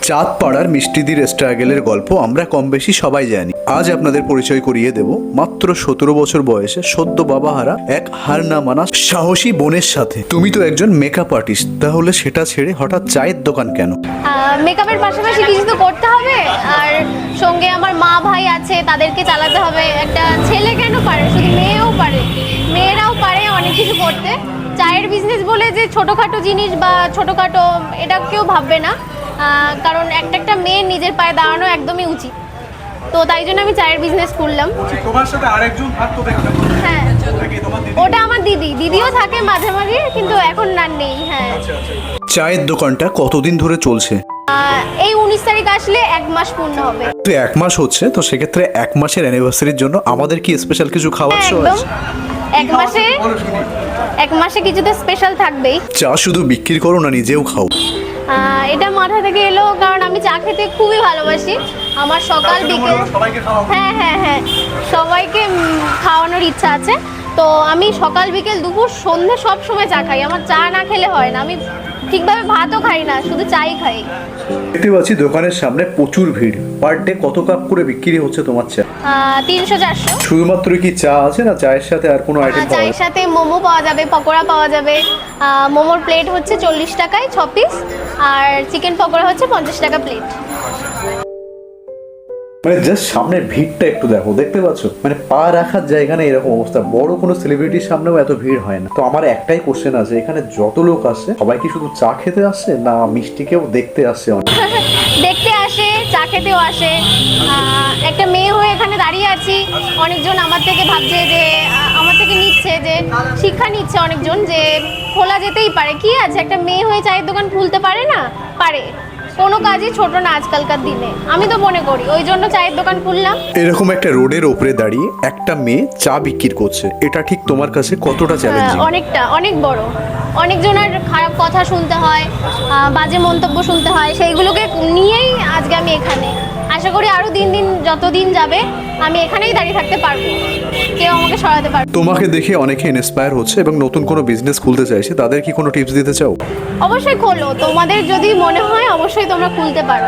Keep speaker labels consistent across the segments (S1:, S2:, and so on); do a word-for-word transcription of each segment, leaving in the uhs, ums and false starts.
S1: চাঁদপাড়ার মিষ্টিদির স্ট্রাগলের গল্প আমরা কম বেশি সবাই জানি। আজ আপনাদের পরিচয় করিয়ে দেব মাত্র সতেরো বছর বয়সে সদ্য বাবাহারা এক হার না মানা সাহসী বোনের সাথে। তুমি তো একজন মেকআপ আর্টিস্ট, তাহলে সেটা ছেড়ে হঠাৎ চায়ের দোকান কেন?
S2: মেকআপের পাশাপাশি কিছু তো করতে হবে, আর সঙ্গে আমার মা ভাই আছে, তাদেরকে চালাতে হবে। একটা ছেলে কেন পারে, শুধু মেয়েও পারে, মেয়েরাও পারে অনেক কিছু করতে। চায়ের বিজনেস বলে যে ছোটোখাটো জিনিস বা ছোটোখাটো এটা কেউ ভাববে না, কারণ একটা একটা মেয়ের নিজের পায়ে দাঁড়ানো একদমই উচিত। তো তাই জন্য আমি চায়ের বিজনেস করলাম।
S3: তোমার সাথে আরেকজন থাকতো দেখলাম।
S2: হ্যাঁ, ওটা আমার দিদি, দিদিও থাকে মাঝে মাঝে, কিন্তু এখন না নেই। হ্যাঁ।
S1: চায়ের দোকানটা কতদিন ধরে চলছে?
S2: এই উনিশ তারিখ আসলে এক মাস পূর্ণ হবে।
S1: তো এক মাস হচ্ছে, তো সেক্ষেত্রে এক মাসের অ্যানিভার্সারির জন্য আমাদের কি স্পেশাল কিছু খাওয়াচ্ছ?
S2: একদম, এক মাসে এক মাসে কিছু তো স্পেশাল থাকবেই।
S1: চা শুধু বিক্রি করো না, নিজেও খাও?
S2: এটা মাথা থেকে এলো, কারণ আমি চা খেতে খুবই ভালোবাসি। আমার সকাল বিকেল, হ্যাঁ হ্যাঁ হ্যাঁ সবাইকে খাওয়ানোর ইচ্ছা আছে। তো আমি সকাল বিকেল দুপুর সন্ধ্যে সব সময় চা খাই। আমার চা না খেলে হয় না। আমি ঠিকভাবে ভাতও খাই না, শুধু চাই খাই।
S1: দেখতে পাচ্ছি দোকানের সামনে প্রচুর ভিড়। পার ডে কত কাপ করে বিক্রি হচ্ছে তোমার চা?
S2: তিনশো চারশো।
S1: শুধুমাত্র কি চা আছে, না চায়ের সাথে আর কোনো আইটেম পাওয়া যায়?
S2: চায়ের সাথে মোমো পাওয়া যাবে, পকোড়া পাওয়া যাবে। মোমোর প্লেট হচ্ছে চল্লিশ টাকায় ছ পিস, আর চিকেন পকোড়া হচ্ছে পঞ্চাশ টাকা প্লেট।
S1: মানে জাস্ট সামনের ভিড়টা একটু দেখো, দেখতে পাচ্ছ মানে পা রাখার জায়গা নেই, এরকম অবস্থা। বড় কোনো সেলিব্রিটির সামনেও এত ভিড় হয় না। তো আমার একটাই কোশ্চেন আছে, এখানে যত লোক আসছে সবাই কি শুধু চা খেতে আসছে, না মিষ্টিকেও দেখতে আসছে? অনেক
S2: দেখতে আসে, চা খেতেও আসে। একটা মেয়ে হয়ে এখানে দাঁড়িয়ে আছি, অনেকজন আমার থেকে ভাবছে যে আমার থেকে নিচ্ছে, যে শিক্ষা নিচ্ছে অনেকজন, যে খোলা যেতেই পারে, কি আছে, একটা মেয়ে হয়ে চায়ের দোকান খুলতে পারে না? পারে। কোনো কাজই ছোট না আজকালকার দিনে, আমি তো মনে করি। ওই জন্য চায়ের দোকান খুললাম।
S1: এরকম একটা রোডের ওপরে দাঁড়িয়ে একটা মেয়ে চা বিক্রি করছে, এটা ঠিক তোমার কাছে কতটা চ্যালেঞ্জিং?
S2: অনেকটা, অনেক বড়। অনেকজনের খারাপ কথা শুনতে হয়, বাজে মন্তব্য শুনতে হয়, সেইগুলোকে নিয়েই আজকে আমি এখানে। আশা করি আরো দিন দিন যত দিন যাবে আমি এখানেই দাঁড়িয়ে থাকতে পারবো, কেউ আমাকে সরাতে পারবে।
S1: তোমাকে দেখে অনেকে ইন্সপায়ার হচ্ছে এবং নতুন কোনো বিজনেস খুলতে চাইছে, তাদের কি কোনো টিপস দিতে চাও?
S2: অবশ্যই খোলো, তোমাদের যদি মনে হয় অবশ্যই তোমরা খুলতে পারো,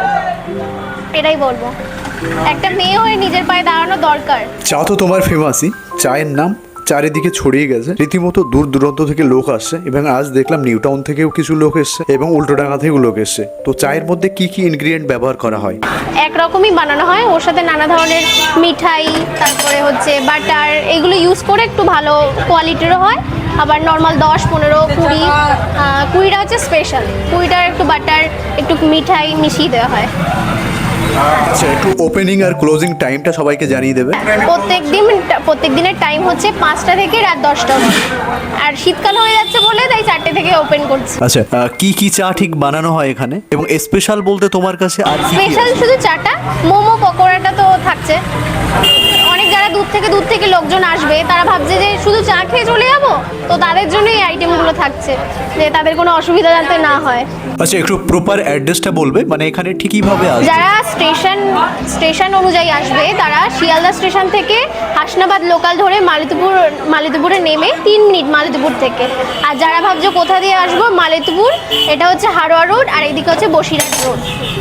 S2: এটাই বলবো। একটা মেয়ে হয়ে নিজের পায়ে দাঁড়ানো দরকার।
S1: চা তো তোমার ফেমাসই, চায়ের নাম চারিদিকে ছড়িয়ে গেছে, রীতিমতো দূর দূরান্ত থেকে লোক আসছে, এবং আজ দেখলাম নিউ টাউন থেকেও কিছু লোক এসছে এবং উল্টোডাঙ্গা থেকেও লোক এসছে। তো চায়ের মধ্যে কি কি ইনগ্রিডিয়েন্ট ব্যবহার করা হয়?
S2: একরকমই বানানো হয়, ওর সাথে নানা ধরনের মিঠাই, তারপরে হচ্ছে বাটার, এগুলো ইউজ করে একটু ভালো কোয়ালিটিরও হয়। আবার নর্মাল দশ পনেরো কুড়ি কুড়িটা হচ্ছে স্পেশাল, কুড়িটার একটু বাটার একটু মিঠাই মিশিয়ে দেওয়া হয়।
S1: আচ্ছা, একটু ওপেনিং আর ক্লোজিং টাইমটা সবাইকে জানিয়ে দেবে।
S2: প্রত্যেক দিন প্রত্যেক দিনের টাইম হচ্ছে পাঁচটা থেকে রাত দশটা অবধি, আর শীতকাল হয়ে যাচ্ছে বলে তাই চারটে থেকে ওপেন করছি।
S1: আচ্ছা, কি কি চা ঠিক বানানো হয় এখানে, এবং স্পেশাল বলতে তোমার কাছে আর কি?
S2: স্পেশাল শুধু চাটা, মোমো পকোড়াটা তো থাকছে। অনেক যারা দূর থেকে দূর থেকে লোকজন আসবে, তারা ভাবছে যে শুধু চা খেয়ে চলে যাবো, তো তাদের জন্য এই আইটেমগুলো থাকছে, যে তাদের কোনো অসুবিধা যাতে না হয়।
S1: আচ্ছা, একটু প্রপার অ্যাড্রেসটা বলবে, মানে এখানে ঠিকই ভাবে আসবে?
S2: যারা স্টেশন স্টেশন অনুযায়ী আসবে, তারা শিয়ালদা স্টেশন থেকে হাসনাবাদ লোকাল ধরে মালিতপুর মালিতপুরে নেমে তিন মিনিট মালিতপুর থেকে। আর যারা ভাবছো কোথা দিয়ে আসবো, মালিতপুর, এটা হচ্ছে হারোয়া রোড, আর এইদিকে হচ্ছে বসিরহাট রোড।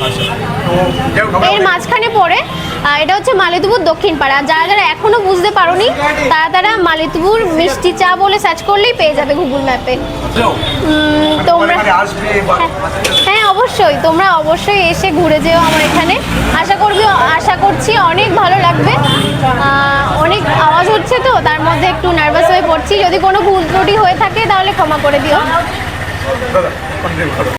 S2: এর মাঝখানে পড়ে এটা হচ্ছে মালিতপুর দক্ষিণ পাড়া। যারা যারা এখনো বুঝতে পারোনি, তারা তারা মালিতপুর মিষ্টি চা বলে সার্চ করলেই পেয়ে যাবে গুগল ম্যাপে। তোমরা হ্যাঁ অবশ্যই, তোমরা অবশ্যই এসে ঘুরে যেও আমার এখানে। আশা করবি আশা করছি অনেক ভালো লাগবে। অনেক আওয়াজ হচ্ছে তো, তার মধ্যে একটু নার্ভাস হয়ে পড়ছি। যদি কোনো ভুল ত্রুটি হয়ে থাকে তাহলে ক্ষমা করে দিও।